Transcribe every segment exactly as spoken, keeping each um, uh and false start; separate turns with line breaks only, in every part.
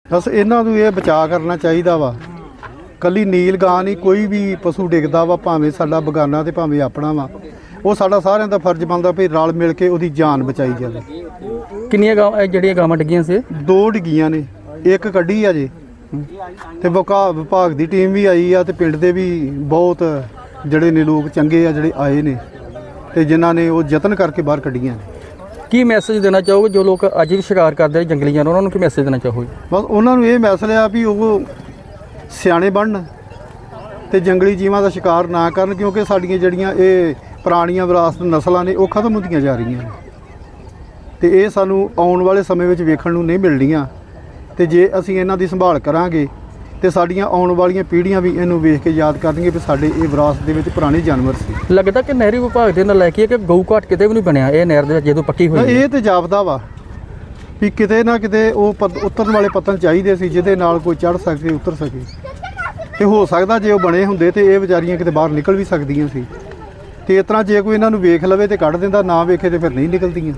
बस इन्हां नूं ये बचा करना चाहिए वा। कली नील गां नहीं, कोई भी पशु डिगदा वा, भावें साडा बगाना ते भावें अपना वा, वो साडा सारिਆਂ ਦਾ फर्ज बनता भी रल मिल के ਉਹਦੀ जान बचाई जाए।
किन्नियां गां ਜਿਹੜੀਆਂ ਗਾਵਾਂ ਡਿੱਗੀਆਂ ਸੀ?
दो डिग्गियां ने, एक कड्ढी आ जे ਤੇ ਵਿਭਾਗ ਵਿਭਾਗ ਦੀ ਟੀਮ ਵੀ ਆਈ ਆ ਤੇ ਪਿੰਡ ਦੇ ਵੀ ਬਹੁਤ ਜਿਹੜੇ ਨੇ ਲੋਕ ਚੰਗੇ ਆ ਜਿਹੜੇ ਆਏ ਨੇ ਤੇ ਜਿਨ੍ਹਾਂ ਨੇ ਉਹ ਯਤਨ ਕਰਕੇ ਬਾਹਰ ਕੱਢੀਆਂ ਨੇ।
ਕੀ ਮੈਸੇਜ ਦੇਣਾ ਚਾਹੋਗੇ ਜੋ ਲੋਕ ਅੱਜ ਵੀ ਸ਼ਿਕਾਰ ਕਰਦੇ ਜੰਗਲੀ ਜਾਨਵਰ, ਉਹਨਾਂ ਨੂੰ ਕੀ ਮੈਸੇਜ ਦੇਣਾ ਚਾਹੋਗੇ?
ਬਸ ਉਹਨਾਂ ਨੂੰ ਇਹ ਮੈਸੇਜ ਆ ਵੀ ਉਹ ਸਿਆਣੇ ਬਣਨ ਤੇ ਜੰਗਲੀ ਜੀਵਾਂ ਦਾ ਸ਼ਿਕਾਰ ਨਾ ਕਰਨ, ਕਿਉਂਕਿ ਸਾਡੀਆਂ ਜਿਹੜੀਆਂ ਇਹ ਪੁਰਾਣੀਆਂ ਵਿਰਾਸਤ ਨਸਲਾਂ ਨੇ ਉਹ ਖਤਮ ਹੁੰਦੀਆਂ ਜਾ ਰਹੀਆਂ ਨੇ ਤੇ ਇਹ ਸਾਨੂੰ ਆਉਣ ਵਾਲੇ ਸਮੇਂ ਵਿੱਚ ਵੇਖਣ ਨੂੰ ਨਹੀਂ ਮਿਲਣੀਆਂ। ਤੇ ਜੇ ਅਸੀਂ ਇਹਨਾਂ ਦੀ ਸੰਭਾਲ ਕਰਾਂਗੇ ਤੇ ਸਾਡੀਆਂ ਆਉਣ ਵਾਲੀਆਂ ਪੀੜ੍ਹੀਆਂ ਵੀ ਇਹਨੂੰ ਵੇਖ ਕੇ ਯਾਦ ਕਰਨਗੇ ਵੀ ਸਾਡੇ ਇਹ ਵਿਰਾਸਤ ਦੇ ਵਿੱਚ ਪੁਰਾਣੇ ਜਾਨਵਰ ਸੀ।
ਲੱਗਦਾ ਕਿ ਨਹਿਰੀ ਵਿਭਾਗ ਦੇ ਨਾਲ ਲੈ ਕੇ ਕਿ ਗਊ ਘਾਟ ਕਿਤੇ ਵੀ ਨਹੀਂ ਬਣਿਆ ਇਹ ਨਹਿਰ ਦੇ ਵਿੱਚ ਜਦੋਂ ਪੱਕੀ ਹੋਈ?
ਇਹ ਤੇ ਜਾਪਦਾ ਵਾ ਵੀ ਕਿਤੇ ਨਾ ਕਿਤੇ ਉਹ ਉਤਰਨ ਵਾਲੇ ਪੱਤਨ ਚਾਹੀਦੇ ਸੀ ਜਿਹਦੇ ਨਾਲ ਕੋਈ ਚੜ੍ਹ ਸਕੇ, ਉਤਰ ਸਕੇ। ਤੇ ਹੋ ਸਕਦਾ ਜੇ ਉਹ ਬਣੇ ਹੁੰਦੇ ਤੇ ਇਹ ਵਿਚਾਰੀਆਂ ਕਿਤੇ ਬਾਹਰ ਨਿਕਲ ਵੀ ਸਕਦੀਆਂ ਸੀ। ਤੇ ਇਸ ਤਰ੍ਹਾਂ ਜੇ ਕੋਈ ਇਹਨਾਂ ਨੂੰ ਵੇਖ ਲਵੇ ਤੇ ਕੱਢ ਦਿੰਦਾ, ਨਾ ਵੇਖੇ ਤੇ ਫਿਰ ਨਹੀਂ ਨਿਕਲਦੀਆਂ।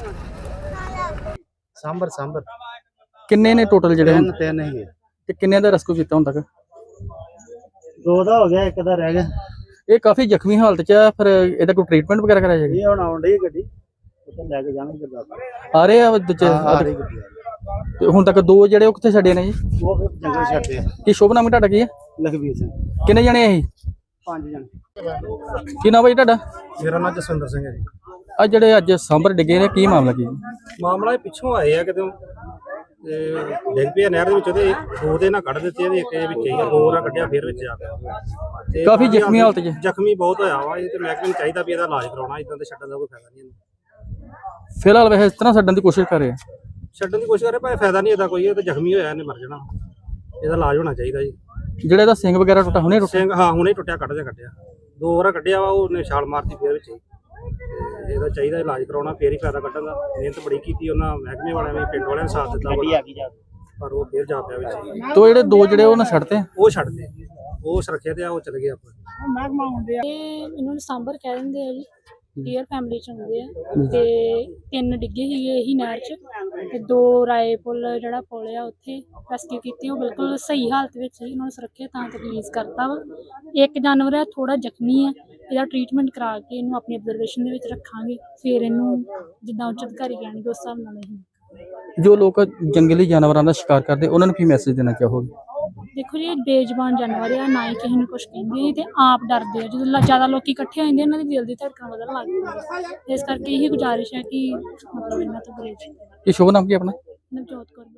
ਸਾਂਬਰ ਸਾਂਬਰ
ਕਿੰਨੇ ਨੇ ਟੋਟਲ ਜਿਹੜੇ?
ਤਿੰਨ ਤਿੰਨ ਹੀ ਹੈ।
ਤੇ ਕਿੰਨੇ ਦਾ ਰੈਸਕਿਊ ਕੀਤਾ ਹੁਣ ਤੱਕ?
ਦੋ ਦਾ ਹੋ ਗਿਆ, ਇੱਕ ਦਾ ਰਹਿ ਗਿਆ।
ਇਹ ਕਾਫੀ ਜ਼ਖਮੀ ਹਾਲਤ 'ਚ ਆ, ਫਿਰ ਇਹਦਾ ਕੋਈ ਟ੍ਰੀਟਮੈਂਟ ਵਗੈਰਾ ਕਰਾਇਆ ਜਾਏਗਾ?
ਇਹ ਹੁਣ ਆਉਣ ਡਈ ਗੱਡੀ, ਉੱਥੇ ਲੈ ਕੇ ਜਾਣਗੇ ਗੁਰਦਾਸਪੁਰ।
ਆ ਰਹੇ ਆ ਦੂਜੇ?
ਆ ਰਹੀ ਗੱਡੀ ਆ ਰਹੀ।
ਤੇ ਹੁਣ ਤੱਕ ਦੋ ਜਿਹੜੇ ਉਹ ਕਿੱਥੇ ਛੱਡੇ ਨੇ ਜੀ?
ਉਹ ਫਿਰ ਜੰਗਲ ਛੱਡਦੇ ਆ।
ਕੀ ਸ਼ੁਭ ਨਾਮ ਤੁਹਾਡਾ ਕੀ ਹੈ?
ਲਖਵੀਰ ਸਿੰਘ।
ਕਿੰਨੇ ਜਣੇ ਆ ਇਹ?
ਪੰਜ ਜਣੇ।
ਕੀ ਨਾਮ ਹੈ ਜੀ ਤੁਹਾਡਾ?
ਮੇਰਾ ਨਾਮ ਜਸਵਿੰਦਰ ਸਿੰਘ ਹੈ ਜੀ।
ਆ ਜਿਹੜੇ ਅੱਜ ਸਾਂਭਰ ਡਿੱਗੇ ਨੇ, ਕੀ ਮਾਮਲਾ ਕੀ?
ਮਾਮਲਾ ਇਹ ਪਿੱਛੋਂ ਆਏ ਆ ਕਿਤੇ ਤੇ ਡਿੱਗ ਪਿਆ ਨਹਿਰ ਦੇ ਵਿੱਚ, ਉਹਦੇ ਦੋ ਦੇ ਨਾਲ ਕੱਢ ਦਿੱਤੇ, ਇਹਦੇ ਇੱਕ ਦੇ ਵਿੱਚ ਹੀ ਆ, ਦੋ ਨਾਲ ਕੱਢਿਆ ਫਿਰ ਵਿੱਚ ਆ ਗਿਆ ਤੇ
ਕਾਫੀ ਜ਼ਖਮੀ ਹਾਲਤ 'ਚ?
ਜ਼ਖਮੀ ਬਹੁਤ ਹੋਇਆ ਵਾ। ਇਹ ਤੇ ਮਹਿਕਮੇ ਨੂੰ ਚਾਹੀਦਾ ਵੀ ਇਹਦਾ ਇਲਾਜ ਕਰਾਉਣਾ, ਇਦਾਂ ਤੇ ਛੱਡਣ ਦਾ ਕੋਈ ਫਾਇਦਾ ਨਹੀਂ ਇਹਨੂੰ।
ਫਿਲਹਾਲ ਵੈਸੇ ਇਸ ਤਰ੍ਹਾਂ ਛੱਡਣ ਦੀ ਕੋਸ਼ਿਸ਼ ਕਰ ਰਹੇ ਆ?
ਛੱਡਣ ਦੀ ਕੋਸ਼ਿਸ਼ ਕਰੇ ਭਾਵੇਂ ਫਾਇਦਾ ਨਹੀਂ ਇਹਦਾ ਕੋਈ, ਇਹ ਤਾਂ ਜ਼ਖਮੀ ਹੋਇਆ, ਇਹਨੇ ਮਰ ਜਾਣਾ। ਇਹਦਾ ਇਲਾਜ ਹੋਣਾ ਚਾਹੀਦਾ ਜੀ।
ਜਿਹੜਾ ਇਹਦਾ ਸਿੰਘ ਵਗੈਰਾ ਟੁੱਟਾ ਹੁਣੇ ਟੁੱਟਾ?
ਸਿੰਘ ਹਾਂ ਹੁਣੇ ਟੁੱਟਿਆ, ਕੱਢ ਦੇ ਕੱਢਿਆ, ਦੋ ਵਾਰ ਕੱਢਿਆ ਵਾ, ਉਹਨੇ ਛਾਲ ਮਾਰਤੀ ਫਿਰ ਵਿੱਚ ਹੀ। ਇਹਦਾ ਚਾਹੀਦਾ ਇਲਾਜ ਕਰਾਉਣਾ, ਫੇਰ ਹੀ ਫਾਇਦਾ ਕੱਢਣ ਦਾ। ਮਿਹਨਤ ਬੜੀ ਕੀਤੀ ਉਹਨਾਂ ਮਹਿਕਮੇ ਵਾਲਿਆਂ ਨੇ, ਪਿੰਡ ਵਾਲਿਆਂ ਨੇ ਸਾਥ ਦਿੱਤਾ ਬੜਾ, ਪਰ ਉਹ ਫੇਰ ਜਾ ਪਿਆ ਵਿੱਚ।
ਤੋ ਜਿਹੜੇ ਦੋ ਜਿਹੜੇ ਉਹ ਨਾ ਛੱਡਤੇ?
ਉਹ ਛੱਡਦੇ, ਉਹ ਸੁਰੱਖਿਆ ਤੇ ਆ, ਉਹ ਚਲੇ ਗਏ ਆਪਾਂ।
ਇਹ ਇਹਨੂੰ ਸਾਂਬਰ ਕਹਿ ਦਿੰਦੇ ਆ ਜੀ, ਡੀਅਰ ਫੈਮਿਲੀ ਚ ਹੁੰਦੇ ਆ। ਤੇ ਤਿੰਨ ਡਿੱਗੇ ਸੀਗੇ ਇਹੀ ਨਹਿਰ ਚ, ਤੇ ਦੋ ਰਾਏ ਪੁੱਲ ਜਿਹੜਾ ਪੁੱਲ ਆ ਉੱਥੇ ਰੈਸਕਿਊ ਕੀਤੀ, ਉਹ ਬਿਲਕੁਲ ਸਹੀ ਹਾਲਤ ਵਿੱਚ ਸੀ, ਉਹਨਾਂ ਨੂੰ ਸੁਰੱਖਿਆ ਥਾਂ ਤੇ ਰਿਲੀਜ਼ ਕਰਤਾ ਵਾ। ਇੱਕ ਜਾਨਵਰ ਆ ਥੋੜਾ ਜ਼ਖਮੀ ਆ, ਇਹਦਾ ਟ੍ਰੀਟਮੈਂਟ ਕਰਾ ਕੇ ਇਹਨੂੰ ਆਪਣੀ ਅਬਜ਼ਰਵੇਸ਼ਨ ਦੇ ਵਿੱਚ ਰੱਖਾਂਗੇ, ਫਿਰ ਇਹਨੂੰ ਜਿੱਦਾਂ ਉੱਚ ਅਧਿਕਾਰੀ ਕਹਿਣਗੇ ਉਸ ਹਿਸਾਬ ਨਾਲ ਇਹ।
ਜੋ ਲੋਕ ਜੰਗਲੀ ਜਾਨਵਰਾਂ ਦਾ ਸ਼ਿਕਾਰ ਕਰਦੇ ਉਹਨਾਂ ਨੂੰ ਕੀ ਮੈਸੇਜ ਦੇਣਾ ਚਾਹੋਗੇ?
ਦੇਖੋ ਜੀ, ਇਹ ਬੇਜ਼ੁਬਾਨ ਜਾਨਵਰ ਆ, ਨਾ ਹੀ ਕਿਸੇ ਨੂੰ ਕੁਛ ਕਹਿੰਦੇ ਤੇ ਆਪ ਡਰਦੇ ਆ। ਜਦੋਂ ਜ਼ਿਆਦਾ ਲੋਕੀ ਇਕੱਠੇ ਹੋ ਜਾਂਦੇ ਇਹਨਾਂ ਦੀ ਦਿਲ ਦੀ ਧੜਕਣ ਵਧਣ ਲੱਗ ਜਾਂਦੀ, ਇਸ ਕਰਕੇ ਇਹੀ ਗੁਜ਼ਾਰਿਸ਼ ਹੈ ਕਿ ਮਤਲਬ ਇਹਨਾਂ ਤੋਂ ਗੁਰੇਜ਼।
ਕੀ ਸ਼ੁਭ ਨਾਮ ਕੀ ਆਪਣਾ?
ਨਵਜੋਤ ਕੌਰ।